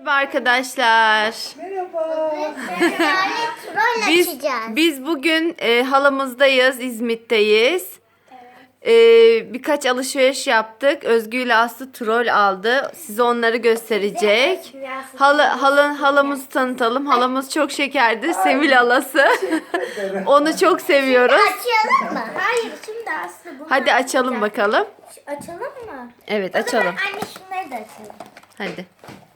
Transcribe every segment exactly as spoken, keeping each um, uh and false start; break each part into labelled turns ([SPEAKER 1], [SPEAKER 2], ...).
[SPEAKER 1] Merhaba arkadaşlar.
[SPEAKER 2] Merhaba.
[SPEAKER 3] Troll
[SPEAKER 1] Biz
[SPEAKER 3] açacağız.
[SPEAKER 1] biz bugün e, halamızdayız, İzmit'teyiz. E, birkaç alışveriş yaptık. Özgü ile Aslı troll aldı. Size onları gösterecek. Hala, hala, halamızı tanıtalım. Halamız çok şekerdi. Sevil halası. Onu çok seviyoruz.
[SPEAKER 3] Açalım mı?
[SPEAKER 2] Hayır şimdi Aslı bunu
[SPEAKER 1] Hadi açalım bakalım.
[SPEAKER 2] açalım mı?
[SPEAKER 1] Evet,
[SPEAKER 2] O zaman
[SPEAKER 1] açalım.
[SPEAKER 2] anne şunları da açalım.
[SPEAKER 1] Hadi.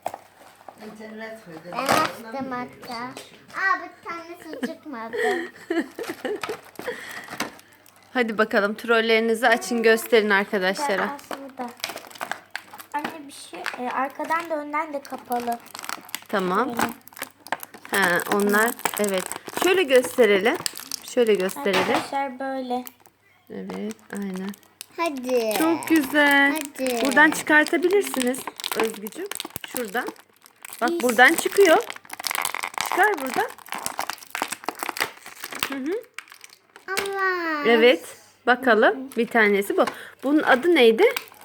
[SPEAKER 3] Ben açtım hatta. Aa bir tanesi çıkmadı.
[SPEAKER 1] Hadi bakalım, trollerinizi açın, gösterin arkadaşlara.
[SPEAKER 2] Aslında. Anne bir şey e, arkadan da önden de kapalı.
[SPEAKER 1] Tamam.
[SPEAKER 2] Böyle.
[SPEAKER 1] Ha, onlar evet. Şöyle gösterelim. Şöyle gösterelim.
[SPEAKER 2] Arkadaşlar böyle.
[SPEAKER 1] Evet, aynen.
[SPEAKER 3] Hadi.
[SPEAKER 1] Çok güzel.
[SPEAKER 3] Hadi.
[SPEAKER 1] Buradan çıkartabilirsiniz Özgücüm. Şuradan. Bak buradan çıkıyor. Çıkar buradan. Hı hı.
[SPEAKER 3] Allah.
[SPEAKER 1] Evet. Bakalım. Bir tanesi bu. Bunun adı neydi?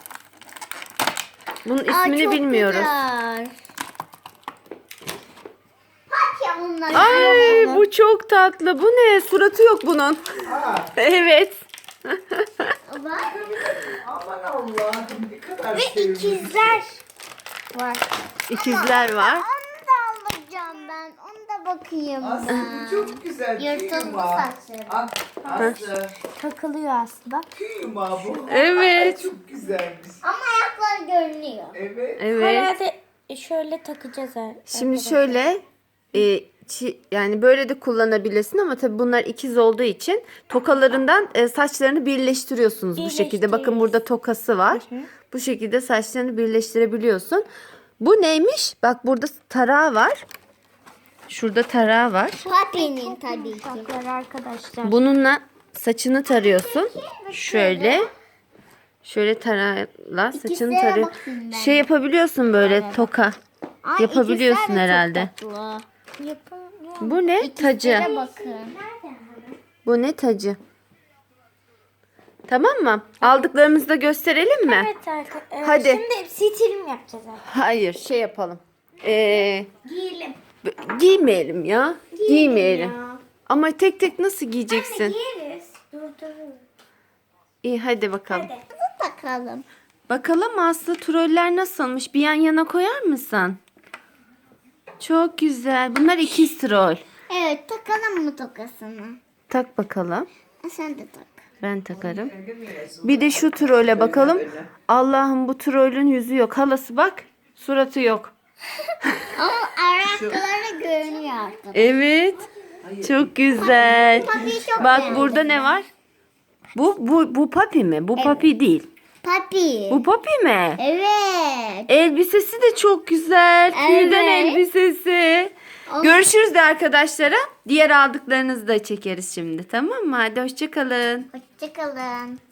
[SPEAKER 1] Bunun
[SPEAKER 3] Aa,
[SPEAKER 1] ismini
[SPEAKER 3] çok
[SPEAKER 1] bilmiyoruz.
[SPEAKER 3] güzel. Bak ya bunlar.
[SPEAKER 1] Ay bu çok tatlı. Bu ne? Suratı yok bunun. Evet.
[SPEAKER 3] Bak.
[SPEAKER 4] Aman Allah'ım ne kadar
[SPEAKER 2] Ve
[SPEAKER 4] sevimli.
[SPEAKER 2] ikizler var.
[SPEAKER 1] İkizler var.
[SPEAKER 3] Onu da alacağım ben. Onu da bakayım
[SPEAKER 4] Aslı
[SPEAKER 3] ben.
[SPEAKER 4] bu çok güzel.
[SPEAKER 3] Yırtılmış
[SPEAKER 4] Tüy yumağı.
[SPEAKER 3] saçları.
[SPEAKER 4] As- Aslı
[SPEAKER 2] Takılıyor aslında.
[SPEAKER 4] tüy yumağı bu.
[SPEAKER 1] Evet.
[SPEAKER 4] Ay, çok güzelmiş.
[SPEAKER 3] Ama ayakları görünüyor.
[SPEAKER 4] Evet.
[SPEAKER 1] Evet.
[SPEAKER 2] Herhalde şöyle takacağız. her-
[SPEAKER 1] Şimdi
[SPEAKER 2] arkadaşlar.
[SPEAKER 1] şöyle e, çi- yani böyle de kullanabilirsin ama tabii bunlar ikiz olduğu için tokalarından e, saçlarını birleştiriyorsunuz bu şekilde. Bakın burada tokası var. Bu şekilde saçlarını birleştirebiliyorsun. Bu neymiş? Bak burada tarağı var. Şurada tarağı var.
[SPEAKER 3] Papi'nin tabii ki.
[SPEAKER 2] Baklar arkadaşlar.
[SPEAKER 1] Bununla saçını tarıyorsun. Şöyle. Şöyle tarağla saçını
[SPEAKER 3] İkizlere
[SPEAKER 1] tarıyor.
[SPEAKER 3] bakayım ben.
[SPEAKER 1] Şey yapabiliyorsun böyle toka.
[SPEAKER 3] Ay,
[SPEAKER 1] Yapabiliyorsun
[SPEAKER 3] ikizler de çok
[SPEAKER 1] herhalde.
[SPEAKER 3] tatlı.
[SPEAKER 2] Yapılıyor.
[SPEAKER 1] Bu ne? Tacı.
[SPEAKER 3] İkizlere bakın.
[SPEAKER 1] Bu ne tacı? Tamam mı? Aldıklarımızı da gösterelim mi?
[SPEAKER 2] Evet arkadaşlar.
[SPEAKER 1] Hadi.
[SPEAKER 2] Şimdi sitirim yapacağız artık.
[SPEAKER 1] Hayır, şey yapalım. Ee,
[SPEAKER 2] Giyelim.
[SPEAKER 1] b- giymeyelim ya. Giymeyelim.
[SPEAKER 2] ya.
[SPEAKER 1] Ama tek tek nasıl giyeceksin?
[SPEAKER 2] Giyeriz. Dur dur.
[SPEAKER 1] İyi hadi bakalım.
[SPEAKER 2] Hadi.
[SPEAKER 3] Bakalım.
[SPEAKER 1] Bakalım Aslı, troller nasılmış? Bir yan yana koyar mısın? Çok güzel. Bunlar ikiz troll.
[SPEAKER 3] Evet takalım mı tokasını?
[SPEAKER 1] Tak bakalım.
[SPEAKER 3] Ha, sen de tak.
[SPEAKER 1] Ben takarım. Bir de şu trolle bakalım. Allah'ım, bu trollün yüzü yok. Halası bak. Suratı yok.
[SPEAKER 3] Ama ayakları görünüyor artık.
[SPEAKER 1] Evet. Çok güzel.
[SPEAKER 3] Papi'yi çok
[SPEAKER 1] Bak
[SPEAKER 3] beğendim
[SPEAKER 1] burada ne var? Bu bu bu papi mi? Bu papi değil.
[SPEAKER 3] Papi.
[SPEAKER 1] Bu papi mi?
[SPEAKER 3] Evet.
[SPEAKER 1] Elbisesi de çok güzel. Tüyden
[SPEAKER 3] Evet.
[SPEAKER 1] elbisesi. Görüşürüz de arkadaşlara. Diğer aldıklarınızı da çekeriz şimdi. Tamam mı? Hadi hoşça kalın.
[SPEAKER 3] Hoşçakalın.